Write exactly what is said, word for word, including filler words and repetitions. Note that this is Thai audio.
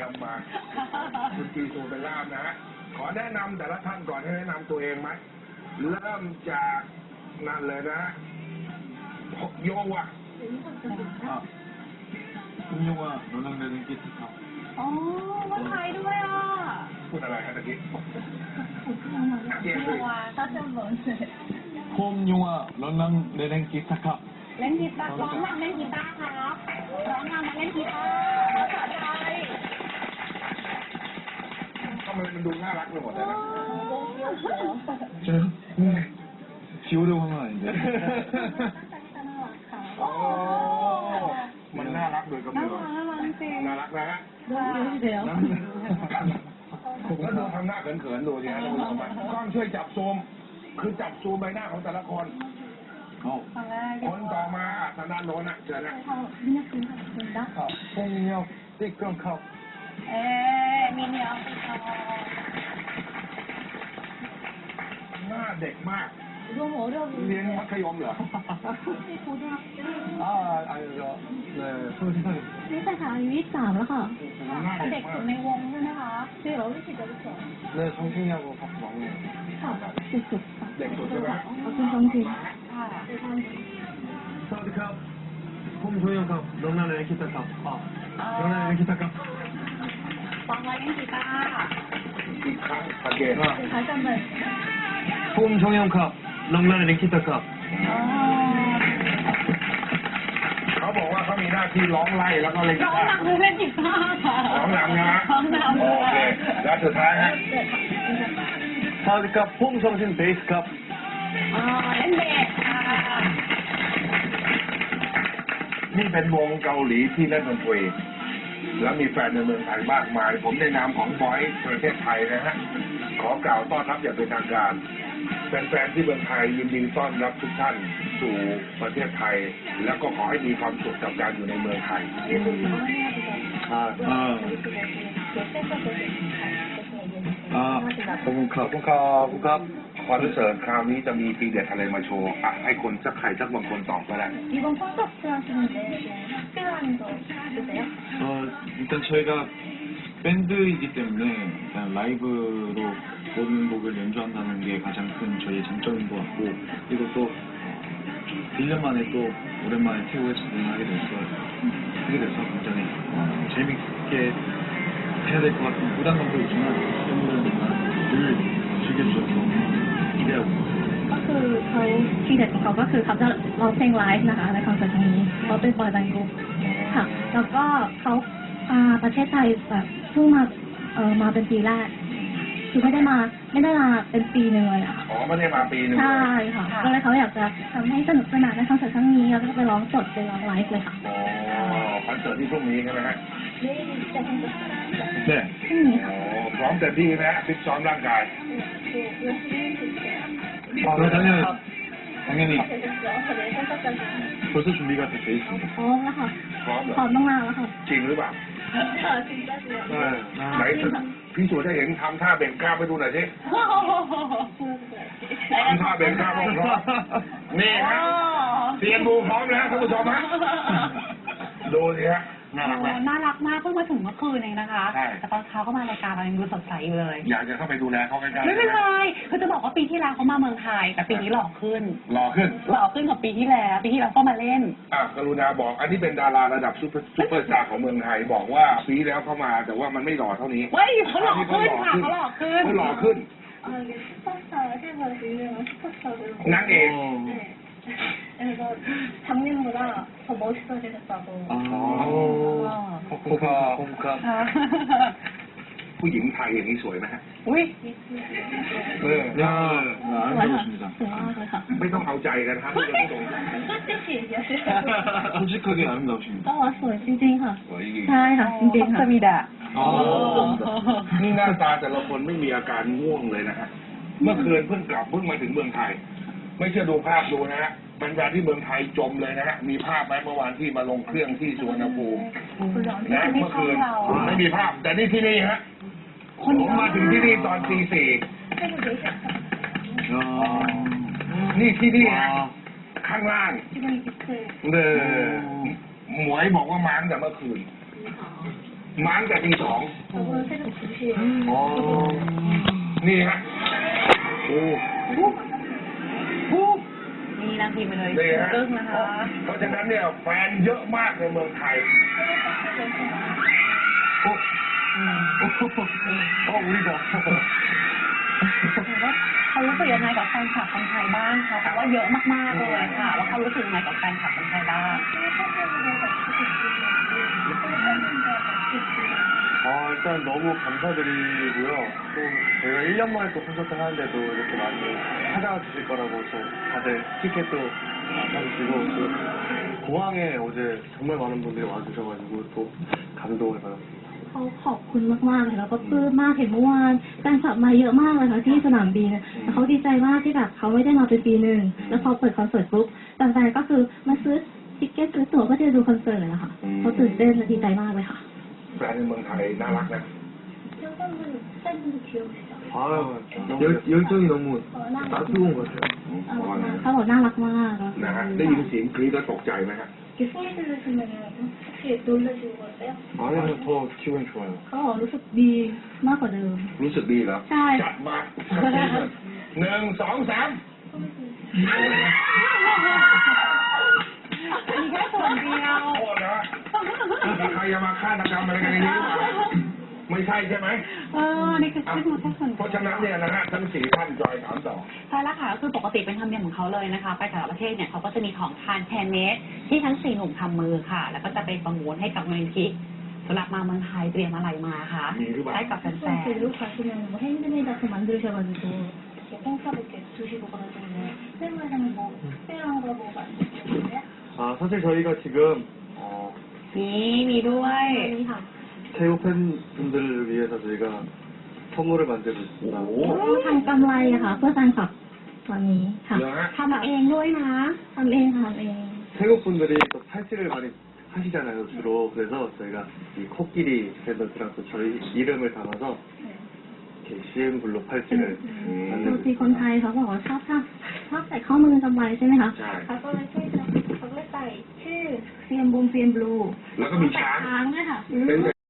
ยมมาคุณจีซูเป็นล่ามนะฮะขอแนะนำแต่ละท่านก่อนให้แนะนำตัวเองไหมเริ่มจากนั่นเลยนะโยวะคุณโยวะโรนังเดนกิสครับอ๋อคนไทยด้วยอ่ะพูดอะไรครับตะกี้โยวะถ้าจะเหมือนผมโยวะโรนังเดนกิสครับเล่นกีตาร์ร้องนำเล่นกีตาร์ครับร้องนำมาเล่นกีตาร์ภาษาไทยทำไมมันดูน่ารักไปหมดเลยนะเจอชิวดูมั้งเลยโอ้มันน่ารักโดยกำเนิดน่ารักนะฮะแล้วดูทำหน้าเขินๆดูสิฮะท่านผู้ชมกล้องช่วยจับซูมคือจับซูมใบหน้าของแต่ละคนคนต่อมาธนาโนนอ่ะเชิญนะพงเนียวติ๊กกล้องครับเอ๊มีเนียวติ๊กกล้องหน้าเด็กมากเรียนมัธยมเหรออ่าอะไรก็เลยพูดได้นี่แต่ค่ะอายุยี่สิบสามแล้วค่ะเด็กสุดในวงใช่ไหมคะเดี๋ยวเราไม่ติดจะรู้จักเลยชงชิงยาโกพักหวังเนี่ยค่ะสุดสุดเด็กสุดใช่ไหมเอาคุณชงชิงค่ะสวัสดีครับผมชงยังครับน้องนาเล่นกีตาร์ครับอ๋อน้องนาเล่นกีตาร์ครับฟังมาเล่นกีตาร์อีกครั้งสังเกตว่าคล้ายกันเลยผมชงยังครับน้องนาเล่นกีตาร์ครับเขาบอกว่าเขามีหน้าที่ร้องไล่แล้วก็เล่นกีตาร์ร้องนำเล่นกีตาร์ค่ะร้องนำนะร้องนำโอเคแล้วสุดท้ายฮะสวัสดีครับผมชงชิงเบสครับอ๋อเล่นเบสค่ะนี่เป็นวงเกาหลีที่เล่นดนตรีแล้วมีแฟนในเมืองไทยมากมายผมในนามของบอยประเทศไทยนะฮะขอกล่าวต้อนรับอย่างเป็นทางการแฟนๆที่เมืองไทยยินดีต้อนรับทุกท่านสู่ประเทศไทยแล้วก็ขอให้มีความสุขกับการอยู่ในเมืองไทยอ่าอ่าอ่าผมครับผมครับผมครับคอนเสิร์ตคราวนี้จะมีปีเด็ดอะไรมาโชว์อ่ะให้คนสักใครสักบางคนตอบก็ได้ 어, 일단 저희가 밴드이기 때문에 일단 라이브로 모든 곡을 연주한다는 게 가장 큰 저희의 장점인 것 같고 그리고 또 일 년 만에 또 오랜만에 태국에서 공연하게 돼서 하게 돼서 굉장히 어, 재밌게 해야 될 것 같은 부담감도 있지만 팬분들과 늘 즐겨주셔서 기대하고 있습니다. ก็คือเขาที่เด็ดของเขาก็คือเขาจะร้องเพลงไลฟ์นะคะในคอนเสิร์ตนี้เขาเป็นบอยแบนด์กรุ๊ปค่ะแล้วก็เขาประเทศไทยแบบเพิ่งมาเออมาเป็นปีแรกคือไม่ได้มาไม่ได้มาเป็นปีหนึ่งเลยอะอ๋อไม่ได้มาปีหนึ่งใช่ค่ะก็เลยเขาอยากจะทำให้สนุกสนานในคอนเสิร์ตครั้งนี้แล้วก็ไปร้องสดไปร้องไลฟ์เลยค่ะอ๋อคอนเสิร์ตที่พรุ่งนี้ใช่ไหมฮะเนี่ยพรุ่งนี้ค่ะพร้อมเต็มที่นะฟิตซ้อมร่างกาย 아, 네, 당연히, 당연히 벌써 준비가 돼 있습니다. พร้อมแล้วค่ะพร้อมพร้อมตั้งนานแล้วค่ะจริงหรือเปล่าจริงได้เลยไหนพี่สุได้เห็นทำท่าเบ่งกล้ามไปดูหน่อยสิทำท่าเบ่งกล้ามพร้อมนี่ฮะเตรียมดูพร้อมแล้วท่านผู้ชมฮะดูสิฮะน่ารักมากน่ารักมากเพิ่งมาถึงเมื่อคืนเองนะคะแต่ตอนเช้าก็มารายการเรายังดูสดใสอยู่เลยอยากจะเข้าไปดูแลเขาใกล้ๆไม่เป็นไรคือจะบอกว่าปีที่แล้วเขามาเมืองไทยแต่ปีนี้หล่อขึ้นหล่อขึ้นหล่อขึ้นกว่าปีที่แล้วปีที่แล้วก็มาเล่นอ่ะกรุณาบอกอันนี้เป็นดาราระดับซุปเปอร์ซุปเปอร์สตาร์ของเมืองไทยบอกว่าปีแล้วเขามาแต่ว่ามันไม่หล่อเท่านี้เฮ้ยเขาหล่อขึ้นค่ะเขาหล่อขึ้นเขาหล่อขึ้นนางเอกผู้หญิงไทยอย่างนี้สวยไหมฮะอุ้ยเออเออไม่ต้องเอาใจกันครับไม่ต้องตรง 솔직하게 아름다우십니다. อ๋อสวยจริงๆค่ะใช่ค่ะจริงๆค่ะสวีดาอ๋อนี่หน้าตาแต่ละคนไม่มีอาการง่วงเลยนะฮะเมื่อคืนเพิ่งกลับเพิ่งมาถึงเมืองไทยไม่เชื่อดูภาพดูนะฮะบรรดาที่เมืองไทยจมเลยนะฮะมีภาพไหมเมื่อวานที่มาลงเครื่องที่สุวรรณภูมินะเมื่อคืนไม่มีภาพแต่นี่ที่นี่ฮะผมมาถึงที่นี่ตอนตีสี่นี่ที่นี่ฮะข้างล่างเออหมวยบอกว่ามาตั้งแต่เมื่อคืนมาตั้งแต่ตีสอง 저번에 새벽 두 시에 อ๋อนี่ฮะโอ้นี่นางพิมพ์ไปเลยนี่ฮะกึ้งนะคะเพราะฉะนั้นเนี่ยแฟนเยอะมากในเมืองไทยโอ้โอ้우리가 ถือว่าเขารู้สึกยังไงกับแฟนคลับคนไทยบ้างคะเพราะว่าเยอะมากๆเลยค่ะว่าเขารู้สึกยังไงกับแฟนคลับคนไทยบ้าง 아, 일단 너무 감사드리고요. 또 저희가 일 년 만에 또 콘서트 하는데도 이렇게 많이 찾아와 주실 거라고 또 다들 티켓도 사주시고 또 공항에 어제 정말 많은 분들이 와주셔가지고 또 감동을 받았습니다. เขาขอบคุณมากๆเลยแล้วก็ปลื้มมากเห็นเมื่อวานแฟนคลับมาเยอะมากเลยค่ะที่สนามบินแล้วเขาดีใจมากที่แบบเขาไม่ได้มาเป็นปีหนึ่งแล้วพอเปิดคอนเสิร์ตปุ๊บแฟนๆก็คือมาซื้อทิเก็ตซื้อตั๋วก็จะดูคอนเสิร์ตเลยนะคะเขาตื่นเต้นและดีใจมากเลยค่ะแฟนในเมืองไทยน่ารักนะ 아, 열, 열정이 너무 따스러운 것 같아요. เขาบอกน่ารักมากนะฮะได้ยินเสียงกรี๊ดแล้วตกใจไหมฮะ 아니면 더 기분이 좋아요. เขาบอกรู้สึกดีมากกว่าเดิมรู้สึกดีเหรอใช่จัดมาหนึ่งสองสามมีแค่ส่วนเดียวโทษนะมีใครจะมาฆาตกรรมอะไรกันในนี้หรือเปล่าไม่ใช่ใช่ไหมเออนี่คือนี่คือแค่ส่วนเพราะฉะนั้นเนี่ยนะฮะทั้งสี่ท่านจอยถามต่อใช่แล้วค่ะก็คือปกติเป็นธรรมเนียมของเขาเลยนะคะ ไปแต่ละประเทศเนี่ยเขาก็จะมีของทานแฮนด์เมดที่ทั้งสี่หนุ่มทำมือค่ะ แล้วก็จะไปประมูลให้กับมูลนิธิสำหรับมาเมืองไทยเตรียมอะไรมาคะมีหรือเปล่าให้กับแฟน 로 가시면 뭐 핸드메이드 같은 거 만드셔가지고 이렇게 팬카드 이렇게 두시고 그러시는데 팬분들은 뭐 특별한 거 뭐 만드시는데요? 아, 사실 저희가 지금, 어, ๆนี่มีด้วยนี่ค่ะ 태국 팬분들을 위해서 저희가 선물을 만들고 있습니다. โอ้ทำกำไรอะค่ะเพื่อแฟนคลับตอนนี้ค่ะเหรอฮะทำเองด้วยนะทำเองค่ะทำเอง 태국 분들이 또 팔찌를 많이 하시잖아요, 주로. 그래서 저희가 이 코끼리 밴더스랑 또 저희 이름을 담아서 이렇게 씨엠블루 팔찌를 ปกติ 만들고 คนไท 있습니다. ยเขาบอกว่าชอบชอบชอบใส่ข้อมือกำไรใช่ไหมคะใช่เขาก็เลยใช่เขาก็เลยใส่ชื่อเซียมบูมเซียมบลูแล้วก็มีช้างช้างด้วยค่ะเป็น